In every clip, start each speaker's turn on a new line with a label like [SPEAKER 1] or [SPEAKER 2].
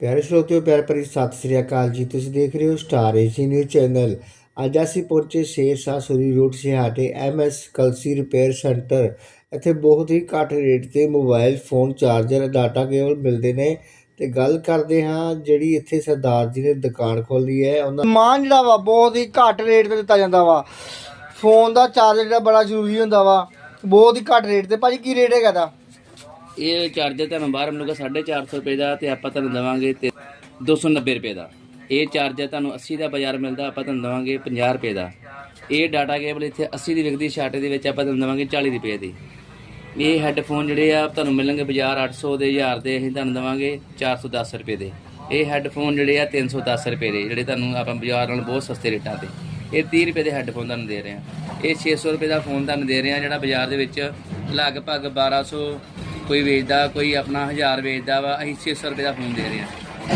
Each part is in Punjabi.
[SPEAKER 1] ਪਿਆਰੇ ਸਰੋਤਿਓ, ਪਿਆਰ ਭਰੀ ਸਤਿ ਸ੍ਰੀ ਅਕਾਲ ਜੀ। ਤੁਸੀਂ ਦੇਖ ਰਹੇ ਹੋ ਸਟਾਰ ਏਸ਼ੀਆ ਨਿਊਜ਼ ਚੈਨਲ। ਅੱਜ ਅਸੀਂ ਪਹੁੰਚੇ ਸ਼ੇਰਸ਼ਾਹ ਸੂਰੀ ਰੋਡ ਸਿਹਾਟੇ MS ਕਲਸੀ ਰਿਪੇਅਰ ਸੈਂਟਰ। ਇੱਥੇ ਬਹੁਤ ਹੀ ਘੱਟ ਰੇਟ 'ਤੇ mobile phone, charger, data cable ਮਿਲਦੇ ਨੇ। ਤੇ ਗੱਲ ਕਰਦੇ ਹਾਂ ਜਿਹੜੀ ਇੱਥੇ ਸਰਦਾਰ ਜੀ ਨੇ ਦੁਕਾਨ ਖੋਲ੍ਹੀ ਹੈ, ਉਹਨਾਂ ਸਮਾਨ ਜਿਹੜਾ ਵਾ ਬਹੁਤ ਹੀ ਘੱਟ ਰੇਟ 'ਤੇ ਦਿੱਤਾ ਜਾਂਦਾ ਵਾ। ਫੋਨ ਦਾ ਚਾਰਜਰ ਜਿਹੜਾ ਬੜਾ ਜ਼ਰੂਰੀ ਹੁੰਦਾ ਵਾ, ਬਹੁਤ ਹੀ ਘੱਟ ਰੇਟ 'ਤੇ। ਭਾਜੀ ਕੀ ਰੇਟ ਹੈਗਾ ਦਾ?
[SPEAKER 2] ਇਹ ਚਾਰਜਰ ਤੁਹਾਨੂੰ ਬਾਹਰ ਮਿਲੂਗਾ 450 ਰੁਪਏ ਦਾ, ਤੇ ਆਪਾਂ ਤੁਹਾਨੂੰ ਦੇਵਾਂਗੇ 290 ਰੁਪਏ ਦਾ। ਇਹ ਚਾਰਜਰ ਤੁਹਾਨੂੰ 80 ਦਾ ਬਾਜ਼ਾਰ ਮਿਲਦਾ, ਆਪਾਂ ਤੁਹਾਨੂੰ ਦੇਵਾਂਗੇ 50 ਰੁਪਏ ਦਾ। ਇਹ ਡਾਟਾ ਕੇਬਲ ਇੱਥੇ 80 ਦੀ ਵਿਕਦੀ, ਛਾਟੇ ਦੇ ਵਿੱਚ ਆਪਾਂ ਤੁਹਾਨੂੰ ਦੇਵਾਂਗੇ 40 ਰੁਪਏ ਦੀ। ਇਹ ਹੈੱਡਫੋਨ ਜਿਹੜੇ ਆ ਤੁਹਾਨੂੰ ਮਿਲਣਗੇ ਬਾਜ਼ਾਰ 800 ਦੇ, 1000 ਦੇ, ਅਸੀਂ ਤੁਹਾਨੂੰ ਦੇਵਾਂਗੇ 410 ਰੁਪਏ ਦੇ। ਇਹ ਹੈੱਡਫੋਨ ਜਿਹੜੇ ਆ 310 ਰੁਪਏ ਦੇ, ਜਿਹੜੇ ਤੁਹਾਨੂੰ ਆਪਾਂ ਬਾਜ਼ਾਰ ਨਾਲ ਬਹੁਤ ਸਸਤੇ ਰੇਟਾਂ 'ਤੇ। ਇਹ 30 ਰੁਪਏ ਦੇ ਹੈੱਡਫੋਨ ਤੁਹਾਨੂੰ ਦੇ ਰਹੇ ਹਾਂ। ਇਹ 600 ਰੁਪਏ ਦਾ ਫੋਨ ਤੁਹਾਨੂੰ ਦੇ ਰਹੇ ਹਾਂ, ਜਿਹੜਾ ਬਾਜ਼ਾਰ ਦੇ ਵਿੱਚ ਲਗਭਗ 1200 ਕੋਈ ਵੇਚਦਾ, ਕੋਈ ਆਪਣਾ 1000 ਵੇਚਦਾ ਵਾ। ਅਸੀਂ 600 ਰੁਪਏ ਦਾ ਫੋਨ ਦੇ ਰਹੇ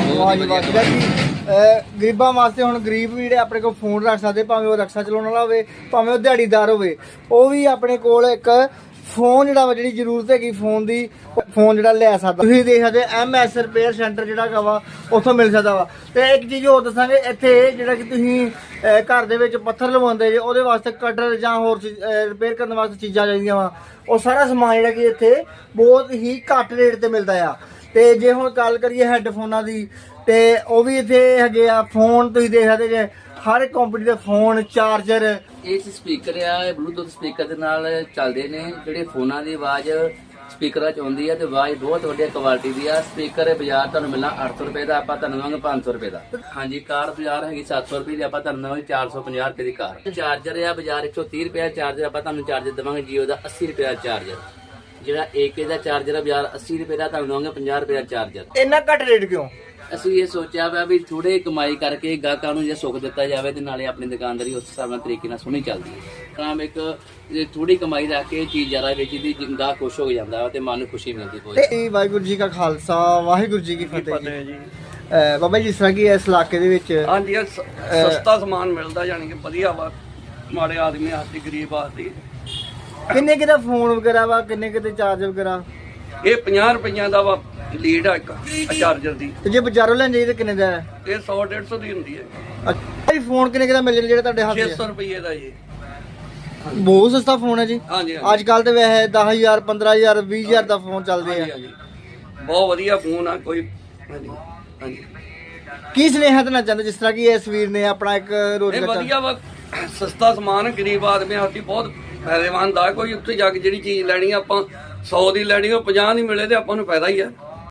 [SPEAKER 2] ਹਾਂ। ਗਰੀਬਾਂ ਵਾਸਤੇ ਹੁਣ ਗਰੀਬ ਵੀ ਜਿਹੜੇ ਆਪਣੇ ਕੋਲ ਫੋਨ ਰੱਖ ਸਕਦੇ, ਭਾਵੇਂ ਉਹ ਰਕਸ਼ਾ ਚਲਾਉਣ ਵਾਲਾ ਹੋਵੇ, ਭਾਵੇਂ ਉਹ ਦਿਹਾੜੀਦਾਰ ਹੋਵੇ, ਉਹ ਵੀ ਆਪਣੇ ਕੋਲ ਇੱਕ ਫੋਨ ਜਿਹੜਾ ਵਾ, ਜਿਹੜੀ ਜ਼ਰੂਰਤ ਹੈਗੀ ਫੋਨ ਦੀ, ਫੋਨ ਜਿਹੜਾ ਲੈ ਸਕਦਾ। ਤੁਸੀਂ ਦੇਖ ਸਕਦੇ MS ਰਿਪੇਅਰ ਸੈਂਟਰ ਜਿਹੜਾ ਹੈਗਾ ਵਾ, ਉੱਥੋਂ ਮਿਲ ਸਕਦਾ ਵਾ। ਤੇ ਇੱਕ ਚੀਜ਼ ਹੋਰ ਦੱਸਾਂਗੇ, ਇੱਥੇ ਜਿਹੜਾ ਕਿ ਤੁਸੀਂ ਘਰ ਦੇ ਵਿੱਚ ਪੱਥਰ ਲਵਾਉਂਦੇ ਜੇ, ਉਹਦੇ ਵਾਸਤੇ ਕਟਰ ਜਾਂ ਹੋਰ ਰਿਪੇਅਰ ਕਰਨ ਵਾਸਤੇ ਚੀਜ਼ਾਂ ਚਾਹੀਦੀਆਂ ਵਾ, ਉਹ ਸਾਰਾ ਸਮਾਨ ਜਿਹੜਾ ਕਿ ਇੱਥੇ ਬਹੁਤ ਹੀ ਘੱਟ ਰੇਟ 'ਤੇ ਮਿਲਦਾ ਆ। ਤੇ ਜੇ ਹੁਣ ਗੱਲ ਕਰੀਏ ਹੈੱਡਫੋਨਾਂ ਦੀ, ਤੇ ਉਹ ਵੀ ਇੱਥੇ ਹੈਗੇ ਆ। ਫੋਨ ਤੁਸੀਂ ਦੇਖ ਸਕਦੇ ਜੇ, ਹਰ ਕੰਪਨੀ ਦੇ ਫੋਨ, ਚਾਰਜਰ। ਇਹ ਸਪੀਕਰ ਆ, ਇਹ ਬਲੂਟੁੱਥ ਸਪੀਕਰ ਦੇ ਨਾਲ ਚੱਲਦੇ ਨੇ। ਜਿਹੜੇ ਫੋਨਾਂ ਦੀ ਆਵਾਜ਼ ਸਪੀਕਰਾਂ 'ਚ ਆਉਂਦੀ ਆ, ਤੇ ਆਵਾਜ਼ ਬਹੁਤ ਵਧੀਆ ਕੁਆਲਿਟੀ ਦੀ ਆ। ਸਪੀਕਰ ਬਾਜ਼ਾਰ ਤੁਹਾਨੂੰ ਮਿਲਣਾ 800 ਰੁਪਏ ਦਾ, ਆਪਾਂ ਤੁਹਾਨੂੰ ਦੇਵਾਂਗੇ 500 ਰੁਪਏ ਦਾ। ਹਾਂਜੀ, ਕਾਰ ਬਾਜ਼ਾਰ ਹੈਗੀ 700 ਰੁਪਏ ਦੀ, ਆਪਾਂ ਤੁਹਾਨੂੰ ਦੇਵਾਂਗੇ 450 ਰੁਪਏ ਦੀ ਕਾਰ। ਚਾਰਜਰ ਆ ਬਾਜ਼ਾਰ 130 ਰੁਪਏ ਦਾ ਚਾਰਜਰ, ਆਪਾਂ ਤੁਹਾਨੂੰ ਚਾਰਜਰ ਦੇਵਾਂਗੇ ਜੀਓ ਦਾ 80 ਰੁਪਏ ਦਾ ਚਾਰਜਰ। ਜਿਹੜਾ AK ਦਾ ਚਾਰਜਰ ਆ ਬਾਜ਼ਾਰ 80 ਰੁਪਏ ਦਾ, ਤੁਹਾਨੂੰ ਦੇਵਾਂਗੇ 50 ਰੁਪਏ ਦਾ ਚਾਰਜਰ।
[SPEAKER 1] ਇੰਨਾ ਘੱਟ ਰੇਟ ਕਿਉਂ?
[SPEAKER 2] ਅਸੀਂ ਇਹ ਸੋਚਿਆ ਵਾ ਵੀ ਥੋੜੇ ਕਮਾਈ ਕਰਕੇ ਗਾਹਕਾਂ ਨੂੰ ਜੇ ਸੁੱਖ ਦਿੱਤਾ ਜਾਵੇ, ਤੇ ਨਾਲੇ ਆਪਣੀ ਦੁਕਾਨਦਾਰੀ ਉਸ ਹਿਸਾਬ ਨਾਲ ਤਰੀਕੇ ਨਾਲ ਸੋਹਣੀ ਚੱਲਦੀ ਹੈ। ਤਾਂ ਇੱਕ ਥੋੜੀ ਕਮਾਈ ਰੱਖ ਕੇ ਚੀਜ਼ ਜ਼ਿਆਦਾ ਵੇਚਦੀ, ਗਾਹਕ ਖੁਸ਼ ਹੋ ਜਾਂਦਾ ਵਾ ਤੇ ਮਨ ਨੂੰ ਖੁਸ਼ੀ ਮਿਲਦੀ ਬਹੁਤ।
[SPEAKER 1] ਤੇ ਵਾਹਿਗੁਰੂ ਜੀ ਕਾ ਖਾਲਸਾ, ਵਾਹਿਗੁਰੂ ਜੀ ਕੀ ਫਤਿਹ ਜੀ। ਬਾਬਾ ਜੀ, ਜਿਸ ਤਰ੍ਹਾਂ ਕਿ ਇਸ ਇਲਾਕੇ ਦੇ ਵਿੱਚ
[SPEAKER 3] ਹਾਂਜੀ ਸਸਤਾ ਸਮਾਨ ਮਿਲਦਾ, ਯਾਨੀ ਕਿ ਵਧੀਆ ਵਾ ਮਾੜੇ ਆਦਮੀ ਵਾਸਤੇ, ਗਰੀਬ ਵਾਸਤੇ।
[SPEAKER 1] ਕਿੰਨੇ ਕਿਤੇ ਫੋਨ ਵਗੈਰਾ ਵਾ, ਕਿੰਨੇ ਕਿਤੇ ਚਾਰਜਰ ਵਗੈਰਾ?
[SPEAKER 3] ਇਹ 50 ਰੁਪਈਆਂ ਦਾ ਵਾ ਲੀਡ ਆ ਇੱਕ ਚਾਰਜਰ ਦੀ।
[SPEAKER 1] ਤੇ ਜੇ ਬਾਜ਼ਾਰੋਂ ਲੈਣ ਜਾਈਏ ਤਾਂ ਕਿੰਨੇ ਦਾ ਹੈ?
[SPEAKER 3] ਇਹ 100-150 ਦੀ ਹੁੰਦੀ ਹੈ।
[SPEAKER 1] ਅੱਛਾ ਜੀ, ਫੋਨ ਕਿੰਨੇ ਕਿਤੇ ਮਿਲ ਜਾਂਦੇ ਜਿਹੜੇ ਤੁਹਾਡੇ ਹੱਥ
[SPEAKER 3] 600 ਰੁਪਏ ਦਾ ਜੀ।
[SPEAKER 1] ਬਹੁਤ ਸਸਤਾ ਫੋਨ ਹੈ ਜੀ।
[SPEAKER 3] ਹਾਂਜੀ
[SPEAKER 1] ਅੱਜ ਕੱਲ ਤੇ ਵੈਸੇ 10,000, 15,000, 20,000 ਦਾ ਫੋਨ ਚੱਲਦੇ ਆ।
[SPEAKER 3] ਹਾਂਜੀ, ਬਹੁਤ ਵਧੀਆ ਫੋਨ ਆ। ਕੋਈ ਹਾਂਜੀ ਹਾਂਜੀ
[SPEAKER 1] ਕੀ ਸੁਨੇਹਾ ਦੇਣਾ ਚਾਹੁੰਦੇ, ਜਿਸ ਤਰ੍ਹਾਂ ਕਿ ਇਸ ਵੀਰ ਨੇ ਆਪਣਾ ਇੱਕ
[SPEAKER 3] ਇਹ
[SPEAKER 1] ਰੋਜ਼ਗਾਰ?
[SPEAKER 3] ਵਧੀਆ ਵਾ, ਸਸਤਾ ਸਮਾਨ ਗਰੀਬ ਆਦਮੀਆਂ ਵਾਸਤੇ ਬਹੁਤ ਫਾਇਦੇਮੰਦ ਆ। ਕੋਈ ਉੱਥੇ ਜਾ ਕੇ ਜਿਹੜੀ ਚੀਜ਼ ਲੈਣੀ ਆਪਾਂ 100 ਦੀ ਲੈਣੀ, ਉਹ 50 ਦੀ ਮਿਲੇ ਤੇ ਆਪਾਂ ਨੂੰ ਫਾਇਦਾ ਹੀ ਆ।